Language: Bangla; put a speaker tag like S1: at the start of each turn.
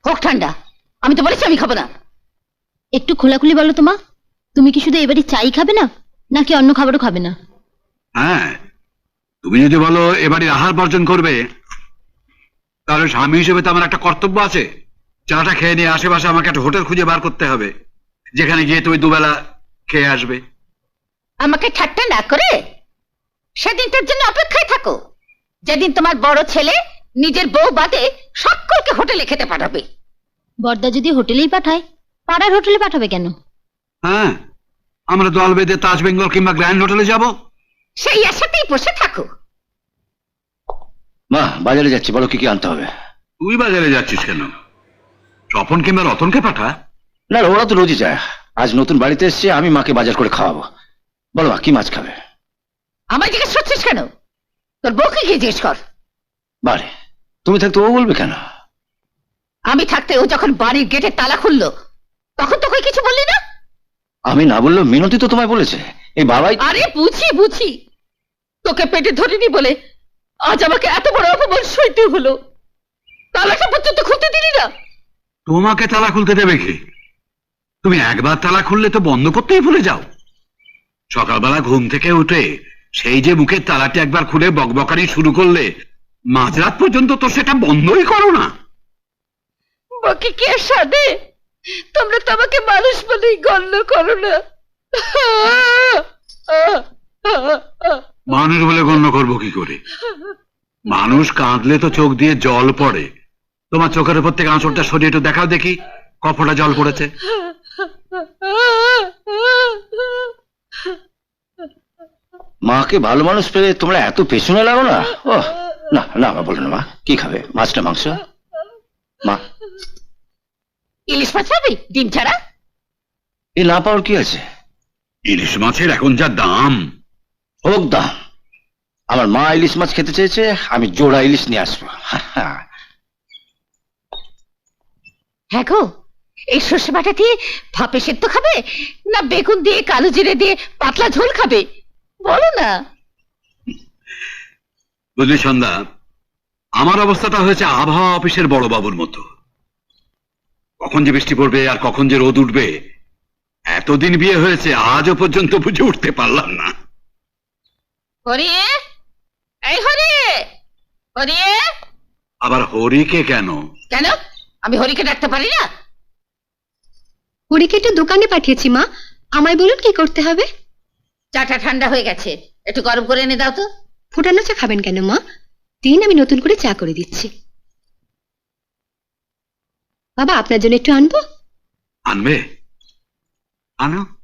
S1: হোক ঠান্ডা। আমি তো বলেছি আমি খাবো না।
S2: একটু খোলাখুলি বলো তো মা, তুমি কি শুধু এবারে চাই খাবে না, নাকি অন্য খাবারও খাবে না?
S3: হ্যাঁ, তুমি যদি বলো এবারে আহার বর্জন করবে, তাহলে স্বামী হিসেবে তো আমার একটা কর্তব্য আছে। চাটা খেয়ে নিয়ে আশেপাশে আমাকে একটা হোটেল খুঁজে বার করতে হবে, যেখানে গিয়ে তুমি দুবেলা খেয়ে আসবে।
S1: আমাকে ঠাট্টা না করে সেদিনটার জন্য অপেক্ষায় থাকো, যেদিন তোমার বড় ছেলে নিজের বউ বাদে সকলকে হোটেলে খেতে পাঠাবে।
S2: বড়দা যদি হোটেলেই পাঠায়, পাড়ার হোটেলে পাঠাবে কেন?
S3: হ্যাঁ, আমরা দল বেঁধে তাজ বেঙ্গল কিংবা গ্র্যান্ড হোটেলে যাব।
S1: সেই আশাতেই বসে থাকো।
S4: মা, বাজারে যাচ্ছি, বলো কি কি আনতে হবে।
S3: তুই বাজারে যাচ্ছিস কেন? স্বপন কিংবা রতনকে পাঠা।
S4: না, ওরা তো রোজই যায়। আজ নতুন বাড়িতে এসছে, আমি মাকে বাজার করে খাওয়াবো। বলো মা, কি মাছ খাবে?
S1: আমায় জিজ্ঞেস করছিস কেন? তোর বউকে গিয়ে জিজ্ঞেস কর।
S4: বারে, তুমি থাকতে ও বলবে কেন?
S1: আমি থাকতে ও যখন বাড়ির গেটে তালা খুললো, তখন তোকে কিছু বললি না?
S4: আমি না বললেও মিনতি তো তোমায় বলেছে। এই বাবাই।
S1: আরে বুঝি তোকে পেটে ধরিনি বলে আজ আমাকে এত বড় অপমান সইতে হলো। তালাটা পর্যন্ত খুলতে দিলি না।
S3: তোমাকে তালা খুলতে দেবে কি? তুমি একবার তালা খুললে তো বন্ধ করতেই ভুলে যাও। সকালবেলা ঘুম থেকে উঠে সেই যে মুখের তালাটি একবার খুলে বকবকানি শুরু করলে, মাঝরাত পর্যন্ত তো সেটা বন্ধই করো না।
S1: বাকি কে সাদে? তোমরা তো আমাকে মানুষ বলেই গণ্য করো না।
S3: মানুষ বলে গণ্য করবো কি করে? মানুষ কাঁদলে তো চোখ দিয়ে জল পড়ে। তোমার চোখের উপর থেকে আঁচড়টা সরিয়ে একটু দেখাও দেখি কপটা জল পড়েছে।
S4: মাকে ভালো মানুষ পেলে তোমরা এত পেছনে লাগো না। ও না না, মা বলো না। মা কি খাবে, মাছ না মাংস? মা,
S1: ইলিশ মাছ পাবি ডিম ছাড়া?
S4: এ না পাওয়ার কি আছে?
S3: ইলিশ মাছের এখন যা দাম।
S4: হোক দাম, আমার মা ইলিশ মাছ খেতে চেয়েছে, আমি জোড়া ইলিশ নিয়ে আসবো।
S1: হ্যাঁ গো, এই সর্ষে বাটা দিয়ে ভাপে সেদ্ধ খাবে, না বেগুন দিয়ে কালো জিরে দিয়ে পাতলা ঝোল খাবে? বলো না।
S3: বুঝলি সন্ধ্যা, আমার অবস্থাটা হয়েছে আবহাওয়া অফিসের বড় বাবুর মতো। কখন যে বৃষ্টি পড়বে আর কখন যে রোদ উঠবে, এতদিন বিয়ে হয়েছে আজও পর্যন্ত বুঝে উঠতে পারলাম না।
S1: হরিয়ে, এই হরিয়ে, হরিয়ে।
S3: আবার হরিকে কেন?
S1: কেন আমি হরিকে ডাকতে পারি না?
S2: হরিকে একটু দোকানে পাঠিয়েছি মা, আমায় বলুন কি করতে হবে।
S1: চাটা ঠান্ডা হয়ে গেছে, একটু গরম করে এনে দাও তো।
S2: ফোটানো চা খাবেন কেন মা? দিন, আমি নতুন করে চা করে দিচ্ছি। বাবা, আপনার জন্য একটু আনবো?
S3: আনবে? আনো।